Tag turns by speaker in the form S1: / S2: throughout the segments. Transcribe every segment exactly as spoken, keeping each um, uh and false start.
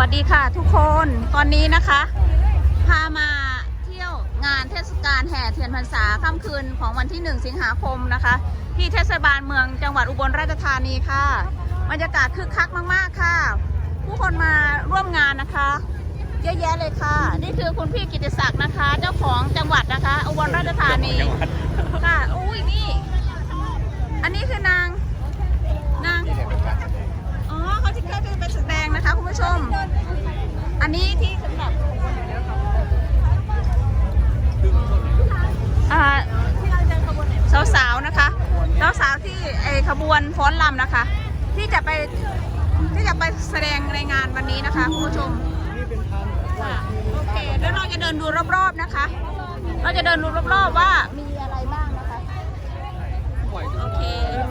S1: สดีค่ะทุกคนตอนนี้นะคะพามาเที่ยวงานเทศกาลแห่เทียนพรรษาค่ำคืนของวันที่หนึ่งสิงหาคมนะคะที่เทศบาลเมืองจังหวัดอุบลราชธานีค่ะบรรยากาศคึกคักมากๆค่ะผู้คนมาร่วมงานนะคะเยอะแยะเลยค่ะนี่คือคุณพี่กิติศักดิ์นะคะเจ้าของจังหวัดนะคะอุบลราชธานีค่ะอุ้ยนี่อันนี้คือนางนางอ๋อเขาที่เคยไปแสดงนะคะคุณผู้ชมอันนี้ที่สำหรับสาวๆนะคะสาวๆที่ไอขบวนฟ้อนรำนะคะที่จะไปที่จะไปแสดงในงานวันนี้นะคะคุณผู้ชมโอเคแล้วเราจะเดินดูรอบๆนะคะเราจะเดินดูรอบๆว่ามีอะไรบ้างนะคะโอเค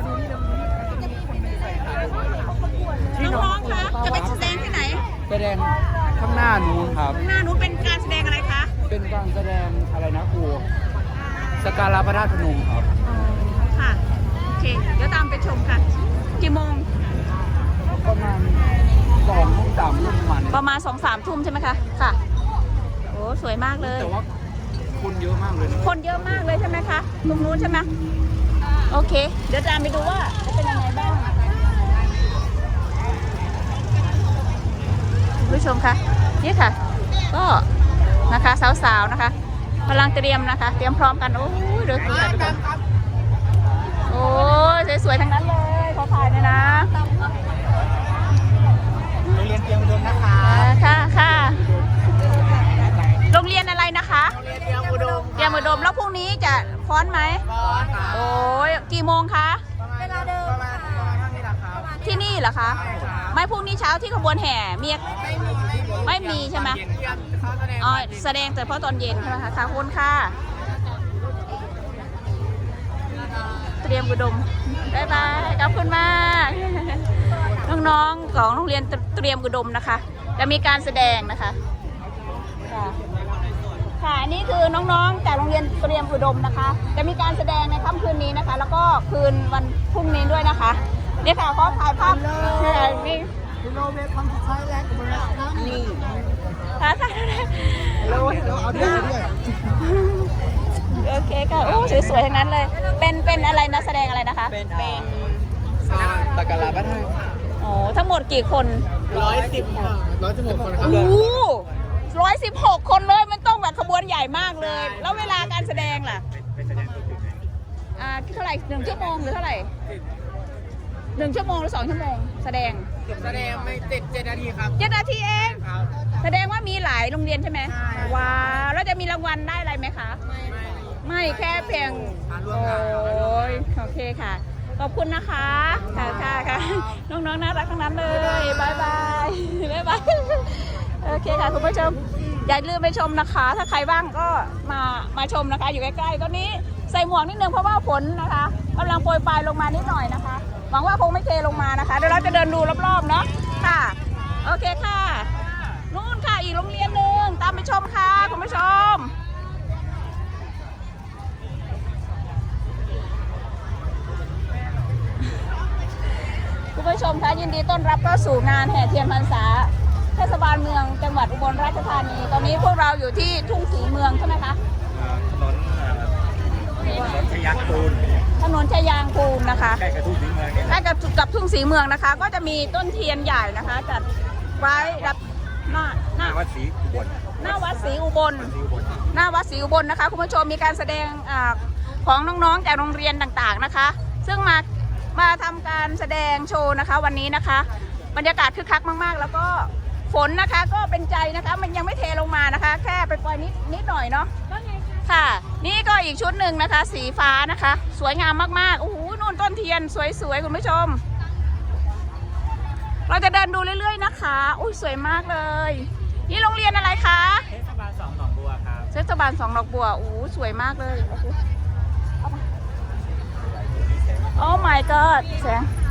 S1: น้องๆคะจะไปแสดงที่ไหน
S2: แสดงข้างหน้านู้นครับ
S1: ข้างหน้านู้นเป็นการแสดงอะไรคะ
S2: เป็นการแสดงอะไรนะครูสการะพระธาตุพนมครับ
S1: ค่ะโอเคเดี๋ยวตามไปชมค่ะกี่โมง
S2: ประมาณสองทุ่มสามทุ่มประมาณ
S1: ประมาณสองสามทุ่มใช่ไหมคะค่ะโอ้สวยมากเลย
S2: แต่ว่าคนเยอะมากเลย
S1: คนเยอะมากเลยใช่ไหมคะตรงนู้นใช่ไหมโอเคเดี๋ยวตามไปดูว่าจะเป็นยังไงบ้างผู้ชมคะนี่ค่ะก็นะคะสาวๆนะคะกำลังเตรียมนะคะเตรียมพร้อมกันโอ้ยเดี๋ยวถ่ายกันโอ้ยสวยๆทั้งนั้นเลยขอถ่ายหน่อยนะ
S2: โรงเรียนเตรียมอุดมนะคะ
S1: ค่ะค่ะโรงเรียนอะไรนะคะ
S2: โรงเรียนเตรียมอุดม
S1: เตรียมอุดมแล้วพรุ่งนี้จะฟ้อนไหม
S2: ฟ้อนค่ะ
S1: โอ้ยกี่โมงคะ
S2: เวลาเดิมประมาณประมาณเท่านี้แหละครับ
S1: ที่นี่เหรอคะไม่พรุ่งนี้เช้าที่ขบวนแห่มีไม่มีใช่ไหมอ๋อแสดงแต่เพราะตอนเย็นใช่ไหมคะค่ะคุณค่ะเตรียมอุดมบ๊ายบายขอบคุณมากน้องๆของโรงเรียนเตรียมอุดมนะคะจะมีการแสดงนะคะค่ะค่ะอันนี้คือน้องๆจากโรงเรียนเตรียมอุดมนะคะจะมีการแสดงในค่ำคืนนี้นะคะแล้วก็คืนวันพรุ่งนี้ด้วยนะคะนี่ค่ะขอถ่ายภาพนี่
S2: โลเวทคำสุดท้ายแรกของเรานี่
S1: ค่ะค่ะ
S2: โลเอาด้วยด้วย
S1: โอเคค่ะโอ้สวยๆทั้งนั้นเลยเป็นเป็นอะไรนะแสดงอะไรนะคะ
S2: เป็นเป็นตะการะพระธาตุ
S1: โอ้ทั้งหมดกี่คน
S2: ร้อยสิบร้อยสิบหกคนครับ
S1: โอ้ร้อยสิบหกคนเลยมันต้องแบบขบวนใหญ่มากเลยแล้วเวลาการแสดงล่ะอ่าเท่าไหร่หนึ่งชั่วโมงหรือเท่าไหร่หนึ่งชั่วโมงหรือสองชั่วโมงแสดง
S2: แสดงไม่เจ็ดเจ็ดนาทีครับ
S1: เจ็ดนาทีเองแสดงว่ามีหลายโรงเรียนใช่ไหมว้าวแล้วจะมีรางวัลได้อะไรไหมคะไม่ไม่แค่เพียงโอ้ยโอเคค่ะขอบคุณนะคะค่ะค่ะค่ะน้องๆน่ารักทั้งนั้นเลยบายบายบายบายโอเคค่ะคุณผู้ชมอย่าลืมไปชมนะคะถ้าใครว่างก็มามาชมนะคะอยู่ใกล้ๆตอนนี้ใส่หมวกนิดนึงเพราะว่าฝนนะคะกำลังโปรยปลายลงมานิดหน่อยนะคะหวังว่าคงไม่เทลงมานะคะเดี๋ยวเราจะเดินดูรอบๆเนาะค่ะโอเคค่ะนู่นค่ะอีกโรงเรียนหนึ่งตามไปชมค่ะคุณผู้ชมคุณผู้ชมคะยินดีต้อนรับเข้าสู่งานแห่เทียนพรรษาเทศบาลเมืองจังหวัดอุบลราชธานีตอนนี้พวกเราอยู่ที่ทุ่งศรีเมืองใช่ไหมคะ
S2: ถนนถนนชยางกูล
S1: ถนนชยางกูลนะคะ
S2: ใกล้กับทุ่งศรีเมือง
S1: ใกล้กับกับทุ่งศรีเมืองนะคะก็จะมีต้นเทียนใหญ่นะคะจัดไว้รับหน้า
S2: หน้าวัดศรีอุบล
S1: หน้าวัดศรีอุบลหน้าวัดศรีอุบลนะคะคุณผู้ชมมีการแสดงของน้องๆจากโรงเรียนต่างๆนะคะซึ่งมามาทำการแสดงโชว์นะคะวันนี้นะคะบรรยากาศคึกคักมากๆแล้วก็ฝนนะคะก็เป็นใจนะคะมันยังไม่เทลงมานะคะแค่ไปปล่อยนิดนิดหน่อยเนาะค่ะนี่ก็อีกชุดหนึ่งนะคะสีฟ้านะคะสวยงามมากๆโอ้โหนู่นต้นเทียนสวยๆคุณผู้ชมเราจะเดินดูเรื่อยๆนะคะอุ้ยสวยมากเลยนี่โรงเรียนอะไรคะ
S2: เทศบาลสองดอกบัวครับ
S1: เทศบาลสองดอกบัวโอ้สวยมากเลยโอ้ my god แสง